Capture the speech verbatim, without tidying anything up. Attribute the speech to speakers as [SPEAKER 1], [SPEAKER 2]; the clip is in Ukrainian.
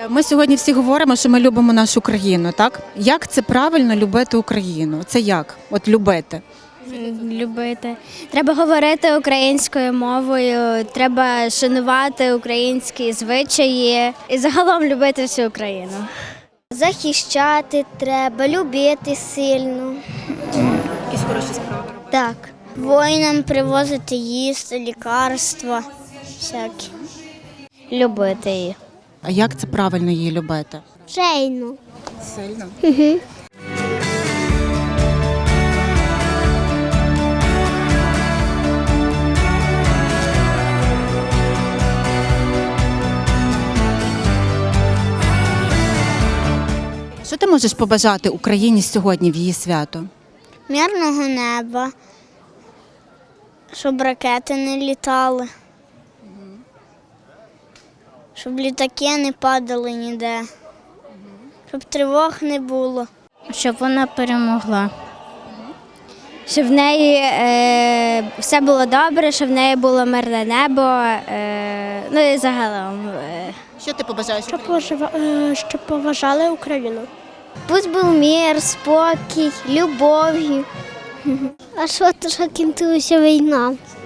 [SPEAKER 1] Ми сьогодні всі говоримо, що ми любимо нашу країну, так? Як це правильно любити Україну? Це як? От любити?
[SPEAKER 2] Любити. Треба говорити українською мовою, треба шанувати українські звичаї і загалом любити всю Україну.
[SPEAKER 3] Захищати треба, любити сильно.
[SPEAKER 1] Якісь хороші справи робити.
[SPEAKER 3] Так. Воїнам привозити їсти, лікарства всякі. Любити її.
[SPEAKER 1] А як це правильно її любити?
[SPEAKER 3] Сильно.
[SPEAKER 1] Сильно.
[SPEAKER 3] Угу.
[SPEAKER 1] Що ти можеш побажати Україні сьогодні в її свято?
[SPEAKER 3] Мирного неба, щоб ракети не літали, щоб літаки не падали ніде, щоб тривог не було.
[SPEAKER 2] Щоб вона перемогла. Щоб в неї е, все було добре, щоб в неї було мирне небо, е, ну і загалом. Е.
[SPEAKER 1] Що ти побажаєш?
[SPEAKER 3] Щоб поважали Україну. Пусть був мир, спокій, любов. А що то, що кінчилася війна?